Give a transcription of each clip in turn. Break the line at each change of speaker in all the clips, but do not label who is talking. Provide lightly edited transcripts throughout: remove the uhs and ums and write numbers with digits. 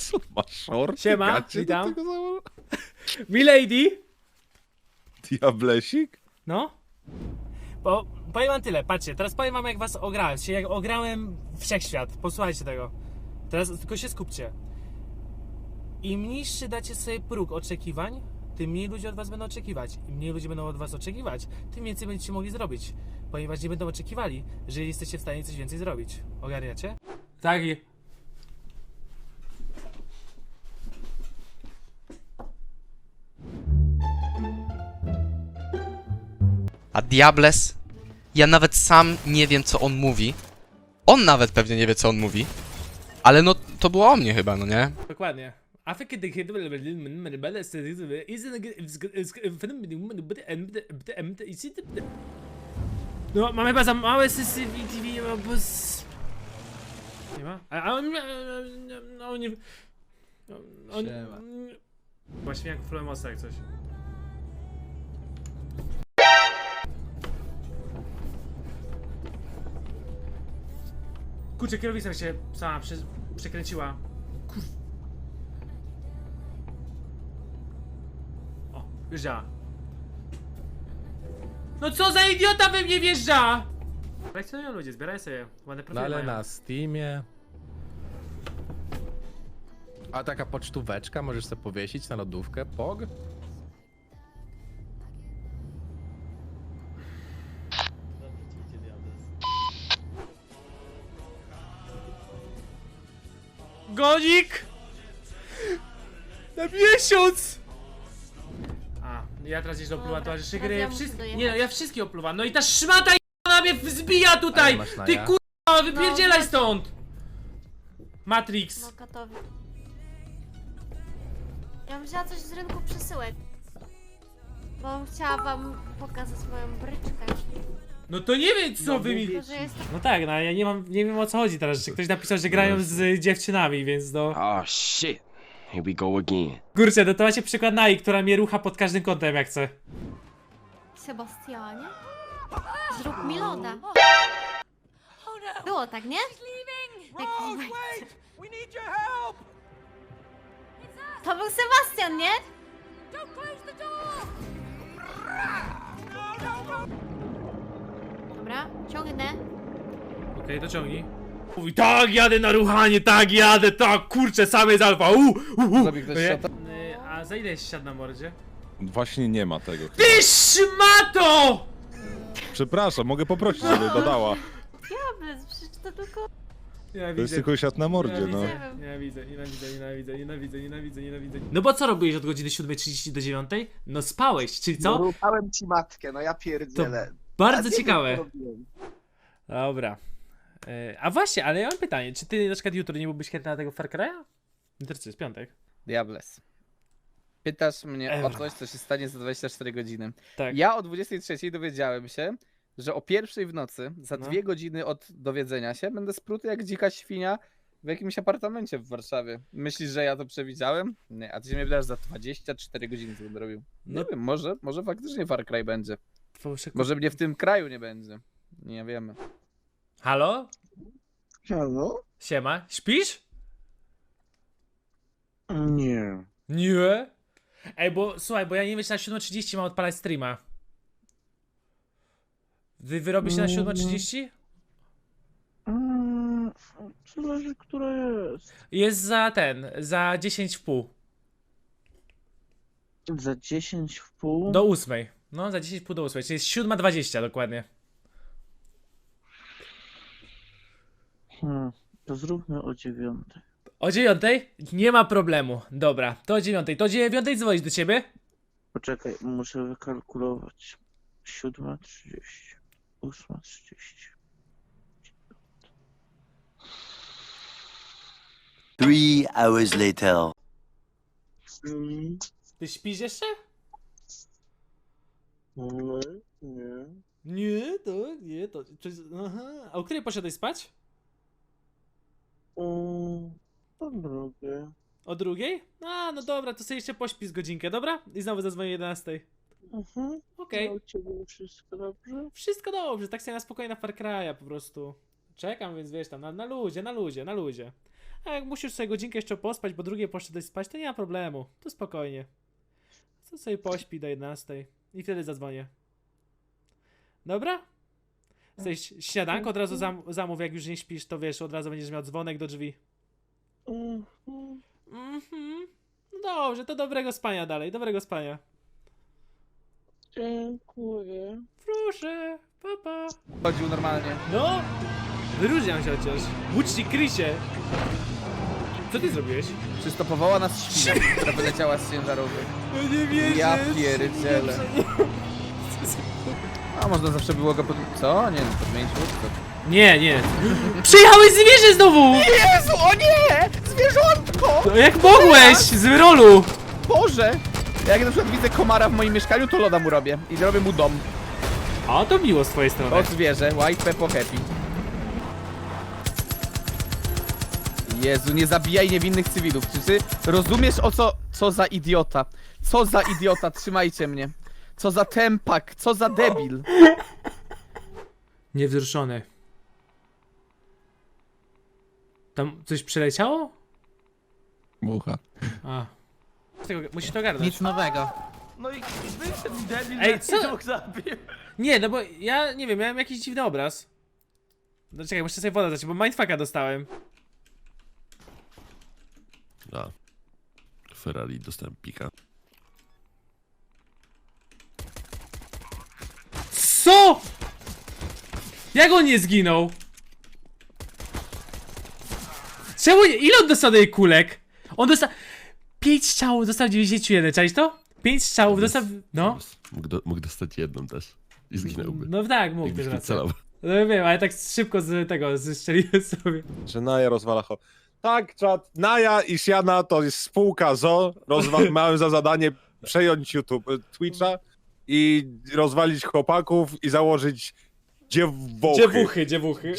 Co, masz short?
Siema, witam. Milady!
Diablesik?
No? Bo powiem wam tyle, patrzcie, teraz powiem wam jak was ograłem, jak ograłem wszechświat, posłuchajcie tego. Teraz tylko się skupcie. Im niższy dacie sobie próg oczekiwań, tym mniej ludzie od was będą oczekiwać. Im mniej ludzie będą od was oczekiwać, tym więcej będziecie mogli zrobić. Ponieważ nie będą oczekiwali, że jesteście w stanie coś więcej zrobić. Ogarniacie? Tak.
A Diables? Ja nawet sam nie wiem, co on mówi. On nawet pewnie nie wie, co on mówi. Ale no, to było o mnie chyba, no nie?
Dokładnie. No, mamy chyba za małe sensitivity, bo nie ma? A on... No, nie... On... Właśnie jak Flemosa jak coś. Kurczę, kierownica się sama przekręciła. Kur... O, wjeżdża. No co za idiota we mnie wjeżdża! Kolekcjonują ludzie, zbieraj sobie. Ładne
No
profile
ale
mają.
na Steamie. A taka pocztóweczka możesz sobie powiesić na lodówkę, pog?
Gonik! Na miesiąc! A, ja teraz jeszcze opluwam towarzyszy gry.
ja muszę
Nie no, ja wszystkie opluwam. No i ta szmata na mnie wzbija tutaj!
Ale masz na
Ty
ja?
kurwa, wypierdzielaj
No,
stąd! Matrix.
No gotowy. Ja bym wzięła coś z rynku przesyłek. Bo chciała wam pokazać moją bryczkę.
No to nie wiem co wy mi...
Tylko, że jest
No tak, no ja nie wiem o co chodzi teraz, że ktoś napisał, że grają z dziewczynami, więc no...
Oh shit. Here we go again.
Kurczę, no to macie przykład Nai, która mnie rucha pod każdym kątem jak chce.
Sebastianie. Zrób mi loda. Było tak, nie? Tak, to był Sebastian, nie? Dobra, ciągnę.
Okej, to ciągnij. Mówi, tak, jadę na ruchanie, tak, jadę, tak, kurczę, sam jest alfa,
Zrobi ktoś shota?
A za ile jest siad na mordzie?
Właśnie nie ma tego.
Ty szmato!
Przepraszam, mogę poprosić, żeby dodała.
Diables, przecież to tylko...
To jest
Nienawidzę.
tylko siat na mordzie, no.
Nienawidzę. No bo co robiłeś od godziny 7:30 do 9:00? No spałeś, czyli co?
Rupałem ci matkę, no ja pierdzielę.
Bardzo
A nie
ciekawe.
wiem, co robiłem.
Dobra. A właśnie, ale ja mam pytanie, czy ty na przykład jutro nie byłbyś chętny na tego Far Cry'a? Jutro co jest piątek?
Diables. Pytasz mnie o
Ewa.
coś, co się stanie za 24 godziny.
Tak.
Ja o 23 dowiedziałem się, że o 1 w nocy, za
No.
2 godziny od dowiedzenia się, będę spruty jak dzika świnia w jakimś apartamencie w Warszawie. Myślisz, że ja to przewidziałem? Nie, a ty się mnie pytasz za 24 godziny, co będę robił. Nie
No.
wiem, może faktycznie Far Cry będzie.
Może...
Może mnie w tym kraju nie będzie. Nie wiemy.
Halo?
Halo?
Siema, śpisz?
Nie.
Nie. Ej, bo słuchaj, bo ja nie wiem, czy na 7:30 mam odpalać streama. Wyrobisz się na 7:30?
Zależy, która jest.
Jest za 10 w pół.
Za 10 w pół?
Do 8. No, za 10 w pół do 8, czyli jest 7:20 dokładnie.
To zróbmy o 9.
O 9? Nie ma problemu. Dobra, to o 9. To o 9 dzwonić do ciebie?
Poczekaj, muszę wykalkulować. 7:30. 8:30.
3 hours later.
Ty śpisz jeszcze?
No, nie.
Nie, to... Aha. A o której poszedłeś spać?
To drugie.
O 2? A, no dobra, to sobie jeszcze pośpi z godzinkę, dobra? I znowu zadzwonię o 11. Okej.
U ciebie wszystko dobrze?
Wszystko dobrze, tak sobie na spokojnie na Far Cry'a po prostu. Czekam, więc wiesz tam, na luzie. A jak musisz sobie godzinkę jeszcze pospać, bo drugie poszedłeś spać, to nie ma problemu. To spokojnie. Co sobie pośpi do 11 i wtedy zadzwonię. Dobra? Chcesz śniadanko od razu zamów, jak już nie śpisz, to wiesz, od razu będziesz miał dzwonek do drzwi. Mhm. No dobrze, to dobrego spania dalej, dobrego spania.
Dziękuję.
Proszę, papa.
Chodził normalnie.
No, wyróżniam się chociaż. Łucznik Krysie. Co ty zrobiłeś?
Przystopowała nas świnia, która wyleciała z ciężarówek.
No nie wierzę.
Ja pierdzielę. A można zawsze było go Co? Nie, podmienić łódkę.
Nie, nie. Przyjechałeś zwierzę znowu!
Jezu, o nie! Zwierzątko!
No jak mogłeś? Z rolu!
Boże! Jak na przykład widzę komara w moim mieszkaniu, to loda mu robię. I robię mu dom.
A to miło z twojej strony.
O zwierzę, white peppo happy. Jezu, nie zabijaj niewinnych cywilów. Czy ty rozumiesz co za idiota? Co za idiota, trzymajcie mnie. Co za tempak, co za debil.
Niewzruszony. Tam coś przeleciało?
Mucha.
A. Musisz to ogarnąć.
Nic nowego.
No i wyszedł debil,
Ej, co?
dwóch zabił.
Nie, no bo ja nie wiem, miałem jakiś dziwny obraz. No czekaj, muszę sobie wodę dać, bo mindfucka dostałem.
A. Ferrari dostałem pika.
Co?! Jak on nie zginął? Czemu nie? Ile on dostał tej kulek? On dostał... 5 strzałów, dostał 91, czaisz to? 5 strzałów, dostał... No.
Mógł dostać jedną też. I zginąłby.
No tak, mógł
Jakbyś
też
nie
rację.
celał.
No wiem, ale tak szybko z tego, zestrzeliłem sobie.
Że Naja rozwala ho. Tak, czat. Naja i Siana to jest spółka ZO. Miałem za zadanie przejąć YouTube, Twitcha i rozwalić chłopaków i założyć dziewochy.
Dziewuchy.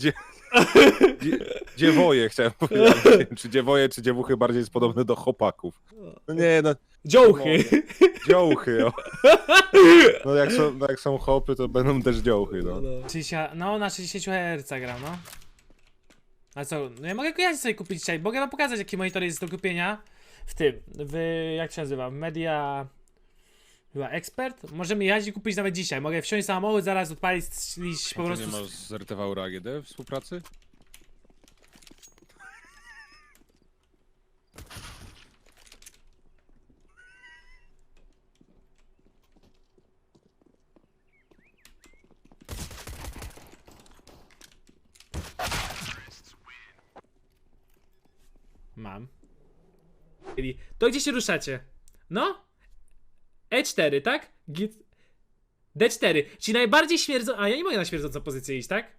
Dziewoje chciałem powiedzieć. Nie wiem, czy dziewoje, czy dziewuchy bardziej jest podobne do chłopaków. No nie, no.
Dziołchy.
Dziołchy, o. No jak są chłopy, to będą też dziołchy, no.
No na 60 Hz gram, no. A co, no ja mogę sobie kupić dzisiaj, mogę wam pokazać jaki monitor jest do kupienia jak się nazywa, Media... Chyba Expert? Możemy jechać i kupić nawet dzisiaj, mogę wsiąść samochód, zaraz odpalić po
Ty
prostu...
nie masz z RTV AGD współpracy?
Mam. To gdzie się ruszacie? No? E4, tak? D4, czyli najbardziej śmierdząca... A ja nie mogę na śmierdzącą pozycję iść, tak?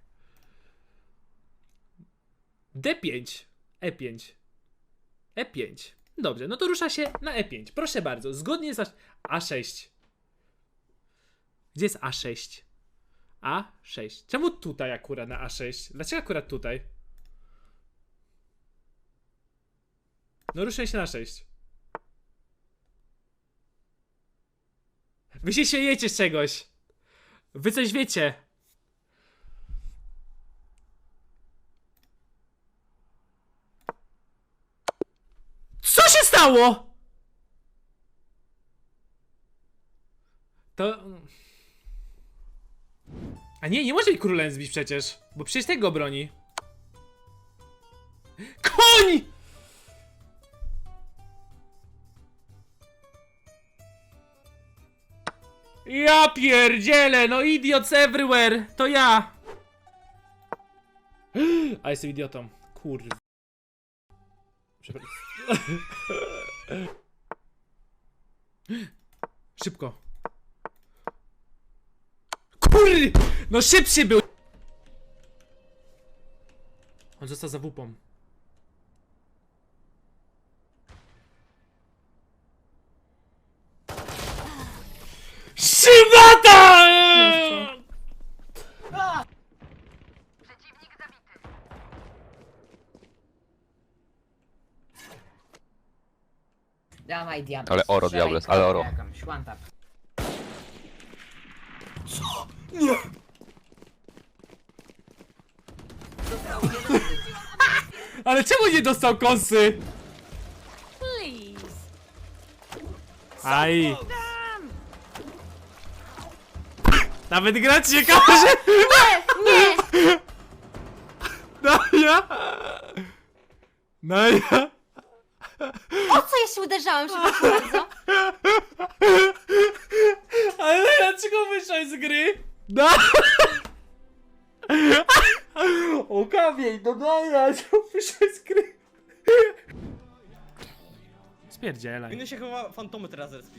D5, E5, E5. Dobrze, no to rusza się na E5. Proszę bardzo, zgodnie z A6. Gdzie jest A6? A6. Czemu tutaj akurat na A6? Dlaczego akurat tutaj? No ruszę się na 6. Wy się śmiejecie z czegoś. Wy coś wiecie. Co się stało? To... A nie może mi królem zbić przecież. Bo przecież tego broni. KOń! Ja pierdzielę, no idiots everywhere, to ja. A jestem idiotą, kurwa. Przepraszam. Szybko. Kurry, no szybszy był. On został za wupą. Szybata!
Dawaj diabeł.
Ale oro,
strzelaj,
diables, ale oro.
jakąś, one tap.
Ale czemu nie dostał kosy?
Please.
Aj. Nawet grać się każe.
Nie!
Naja. Naja.
O co ja się uderzałam, przepraszam bardzo?
Ale dlaczego wyszłeś z gry? No. O kamień, no Naja, czemu wyszłeś z gry? Spierdzielaj.
Powinno się chyba fantomy teraz respić.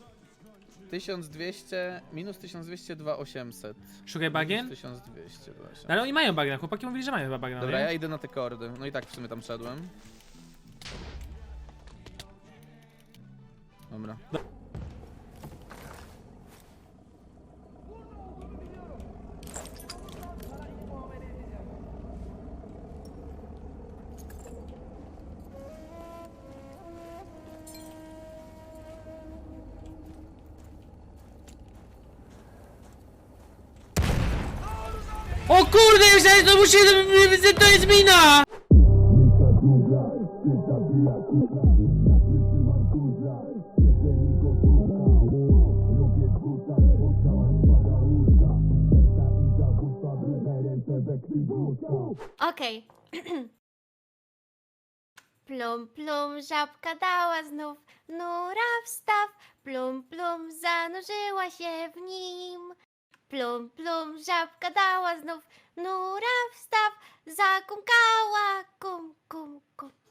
1200, minus 1200, 2800.
Szukaj bagien?
1200, 2800.
No ale oni mają bagna, chłopaki mówili, że mają chyba bagna,
Dobra,
nie?
ja idę na te kordy. No i tak w sumie tam szedłem. Dobra.
O kurde, myślałem, że to musi... to jest mina!
Okej. Plum, plum, żabka dała znów nura wstaw. Plum, plum, zanurzyła się w nim. Plum, plum, żabka dała znów nura wstaw. Zakumkała, kum, kum, kum.